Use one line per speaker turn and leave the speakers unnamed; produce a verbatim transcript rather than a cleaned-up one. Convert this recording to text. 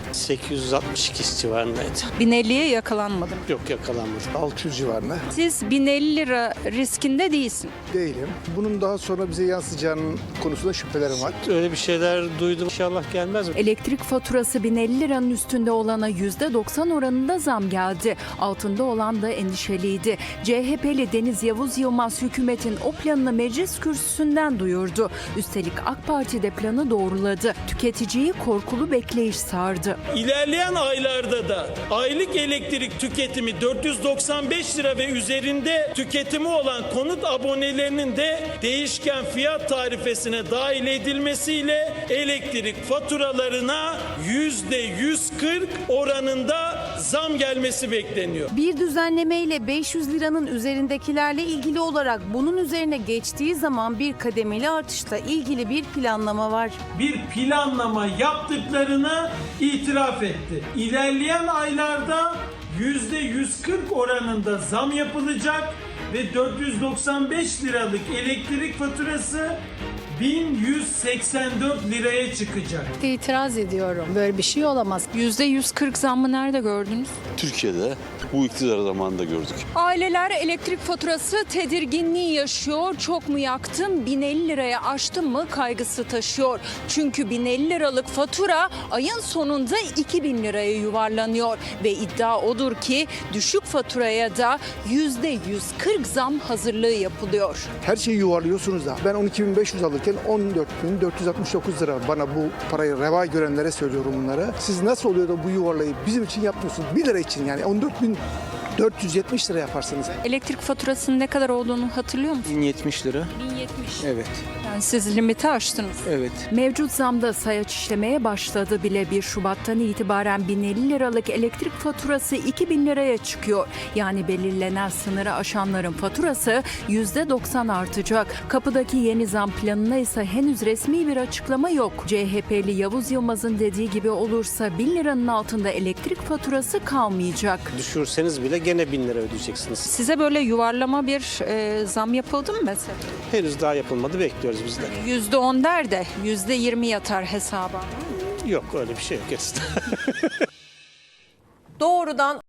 sekiz yüz altmış iki civarındaydı.
bin elliye yakalanmadım.
Yok, yakalanmadı.
altı yüz civarında.
Siz bin elli lira riskinde değilsin.
Değilim. Bunun daha sonra bize yansıyacağının konusunda şüphelerim var.
Öyle bir şeyler duydum. İnşallah gelmez mi?
Elektrik faturası bin elli liranın üstünde olana yüzde doksan oranında zam geldi. Altında olan da endişeliydi. C H P'li Deniz Yavuz Yılmaz hükümetin o planını meclis kürsüsünden duyurdu. Üstelik AK Parti de planı doğruladı. Tüketiciyi korkulu bekleyiş sardı.
İlerleyen aylarda da aylık elektrik tüketimi dört yüz doksan beş lira ve üzerinde tüketimi olan konut abonelerinin de değişken fiyat tarifesine dahil edilmesiyle elektrik faturalarına yüzde yüz kırk oranında zam gelmesi bekleniyor.
Bir düzenlemeyle beş yüz liranın üzerindekilerle ilgili olarak bunun üzerine geçtiği zaman bir kademeli artışla ilgili bir planlama var.
Bir planlama yaptıklarını itiraf etti. İlerleyen aylarda yüzde yüz kırk oranında zam yapılacak ve dört yüz doksan beş liralık elektrik faturası bin yüz seksen dört liraya çıkacak.
İtiraz ediyorum. Böyle bir şey olamaz.
yüzde yüz kırk zammı nerede gördünüz?
Türkiye'de bu iktidar zamanında gördük.
Aileler elektrik faturası tedirginliği yaşıyor. Çok mu yaktım, bin elli liraya aştım mı kaygısı taşıyor. Çünkü bin elli liralık fatura ayın sonunda iki bin liraya yuvarlanıyor. Ve iddia odur ki düşük faturaya da yüzde yüz kırk zam hazırlığı yapılıyor.
Her şeyi yuvarlıyorsunuz da. Ben on iki bin beş yüz alırken on dört bin dört yüz altmış dokuz lira. Bana bu parayı reva görenlere söylüyorum bunları. Siz nasıl oluyor da bu yuvarlayı bizim için yapmıyorsunuz? bir lira için yani on dört bin dört yüz yetmiş lira yaparsınız.
Elektrik faturasının ne kadar olduğunu hatırlıyor musunuz?
bin yetmiş lira.
bin yetmiş.
Evet.
Yani siz limiti aştınız.
Evet.
Mevcut zamda sayaç işlemeye başladı bile. bir Şubat'tan itibaren bin elli liralık elektrik faturası iki bin liraya çıkıyor. Yani belirlenen sınırı aşanların faturası yüzde doksan artacak. Kapıdaki yeni zam planına ise henüz resmi bir açıklama yok. C H P'li Yavuz Yılmaz'ın dediği gibi olursa bin liranın altında elektrik faturası kalmayacak.
Düşürseniz bile gene bin lira ödeyeceksiniz.
Size böyle yuvarlama bir e, zam yapıldı mı mesela?
Henüz daha yapılmadı, bekliyoruz biz de.
yüzde on der de yüzde yirmi yatar hesaba.
Yok, öyle bir şey yok. Gerisi.
Doğrudan